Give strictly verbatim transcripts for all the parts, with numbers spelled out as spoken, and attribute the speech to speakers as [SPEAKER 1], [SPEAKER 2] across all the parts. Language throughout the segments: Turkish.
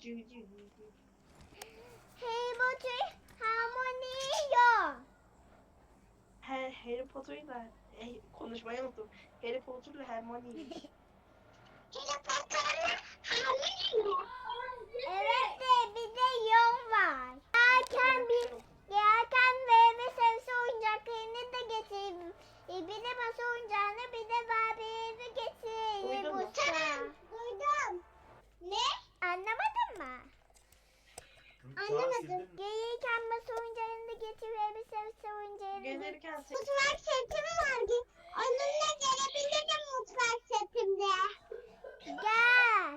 [SPEAKER 1] Harry Potter harmoniyor.
[SPEAKER 2] He, Harry Potter'la e, konuşmayı unuttum. Harry Potter'la Hermione'ymiş.
[SPEAKER 1] Harry Potter'la harmoniyor. Evet de bir de yol var. Yerken bir yerken meyve sebze oyuncaklarını da getirdim. E, bir de masa oyuncağını bir de Barbie'yi getirdim.
[SPEAKER 2] Duydun mu?
[SPEAKER 1] Duydum. Ne? Anlamadın mı? Anlamadım. Gelirken masa oyuncağını da getir ve bir sebze oyuncağını da.
[SPEAKER 2] Gelirken sen...
[SPEAKER 1] Mutfak setim vardı. Onunla gelebilirim mutfak setimde. Gel.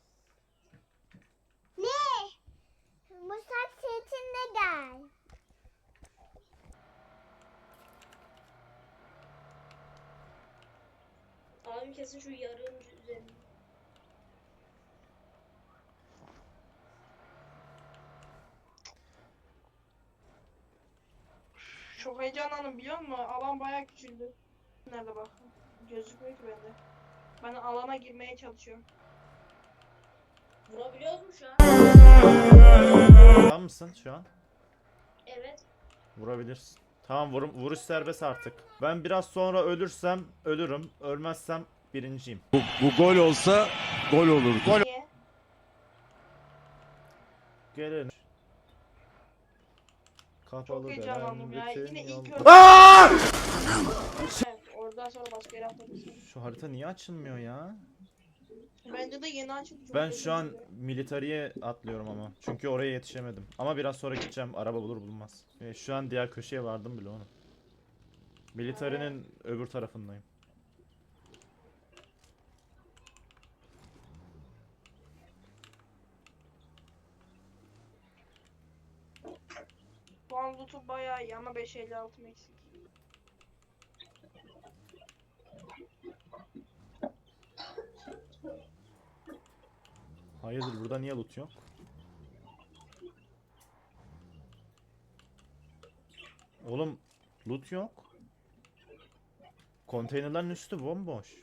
[SPEAKER 1] Ne? Mutfak setimde gel.
[SPEAKER 3] Abim kesin şu yarığın üzerinde.
[SPEAKER 2] Çok heyecanlandım biliyor musun? Alan bayağı küçüldü. Nerede bak? Gözükmüyor ki bende. Ben alana girmeye çalışıyorum.
[SPEAKER 3] Vurabiliyor mu şu an?
[SPEAKER 4] Tamam mısın şu an?
[SPEAKER 3] Evet.
[SPEAKER 4] Vurabilirsin. Tamam vurum, vuruş serbest artık. Ben biraz sonra ölürsem ölürüm. Ölmezsem birinciyim.
[SPEAKER 5] Bu, bu gol olsa gol olurdu.
[SPEAKER 2] Niye?
[SPEAKER 4] Gelin.
[SPEAKER 2] Çok
[SPEAKER 4] Kapalı
[SPEAKER 2] heyecanlandım ya.
[SPEAKER 4] bütün
[SPEAKER 2] Yine ilk
[SPEAKER 4] yol-
[SPEAKER 2] önce...
[SPEAKER 4] Aa!
[SPEAKER 2] Evet, oradan sonra başka yere atlamışsın.
[SPEAKER 4] Şu harita niye açılmıyor ya?
[SPEAKER 2] Bence de yeni açıldı. Çok
[SPEAKER 4] Ben şu an
[SPEAKER 2] heyecanlıyım.
[SPEAKER 4] militariye atlıyorum ama. Çünkü oraya yetişemedim. Ama biraz sonra gideceğim. Araba bulur bulmaz. E, şu an diğer köşeye vardım bile onu. Militarinin öbür tarafındayım.
[SPEAKER 2] Bu an loot'u bayağı iyi ama beş elli altı eksik.
[SPEAKER 4] Hayırdır burada niye loot yok? Oğlum loot yok. Konteynerlerin üstü bomboş.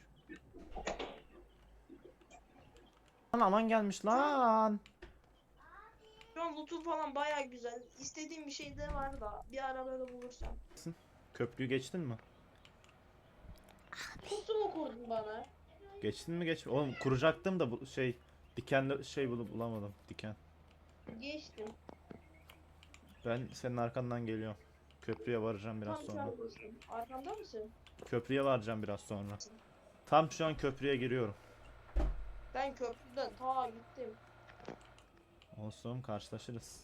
[SPEAKER 4] Lan alan gelmiş lan.
[SPEAKER 2] Şu an loot'u falan bayağı güzel. İstediğim bir şey de var da bir arabada bulursam.
[SPEAKER 4] Köprüyü geçtin mi?
[SPEAKER 3] Kutu mu kurdun bana?
[SPEAKER 4] Geçtin mi geç? Oğlum kuracaktım da bu şey dikenli şey bulup bulamadım. Diken.
[SPEAKER 2] Geçtim.
[SPEAKER 4] Ben senin arkandan geliyorum. Köprüye varacağım biraz
[SPEAKER 2] Tam şu
[SPEAKER 4] sonra.
[SPEAKER 2] an geçtim. Arkamda mısın?
[SPEAKER 4] Köprüye varacağım biraz sonra. Tam şu an köprüye giriyorum.
[SPEAKER 2] Ben köprüden ta gittim.
[SPEAKER 4] Olsun karşılaşırız.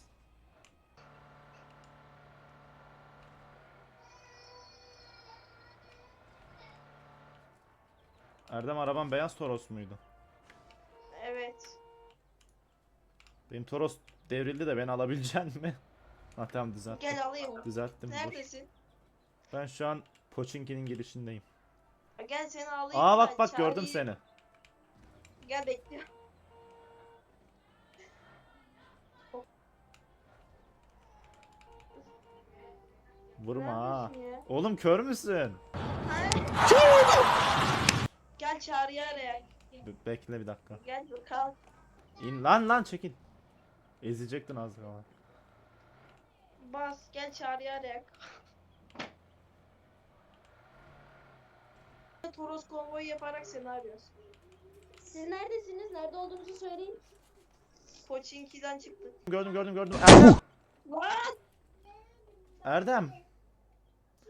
[SPEAKER 4] Erdem araban beyaz Toros muydu?
[SPEAKER 2] Evet.
[SPEAKER 4] Benim Toros devrildi de beni alabilecek mi? Ha tamam düzelttim.
[SPEAKER 2] Gel alayım.
[SPEAKER 4] Düzelttim dur.
[SPEAKER 2] Neredesin?
[SPEAKER 4] Ben şu an Pochinki'nin girişindeyim.
[SPEAKER 2] Ha, Gel seni alayım.
[SPEAKER 4] Aa
[SPEAKER 2] ben
[SPEAKER 4] bak bak gördüm
[SPEAKER 2] çağırayım.
[SPEAKER 4] seni.
[SPEAKER 2] Gel bekle.
[SPEAKER 4] Vurma ha.
[SPEAKER 2] Neredesin ya?
[SPEAKER 4] Oğlum kör müsün?
[SPEAKER 2] Gel çağrıya araya.
[SPEAKER 4] Be- bekle bir dakika.
[SPEAKER 2] Gel bakalım.
[SPEAKER 4] İn lan lan çekil. Ezecektin az kala.
[SPEAKER 2] Bas gel çağrıya araya. Toros konvoyu yaparak seni arıyoruz.
[SPEAKER 3] Siz neredesiniz? Nerede olduğunuzu söyleyin.
[SPEAKER 2] Pochinki'den çıktık.
[SPEAKER 4] Gördüm gördüm gördüm. Erdem.
[SPEAKER 2] What?
[SPEAKER 4] Erdem.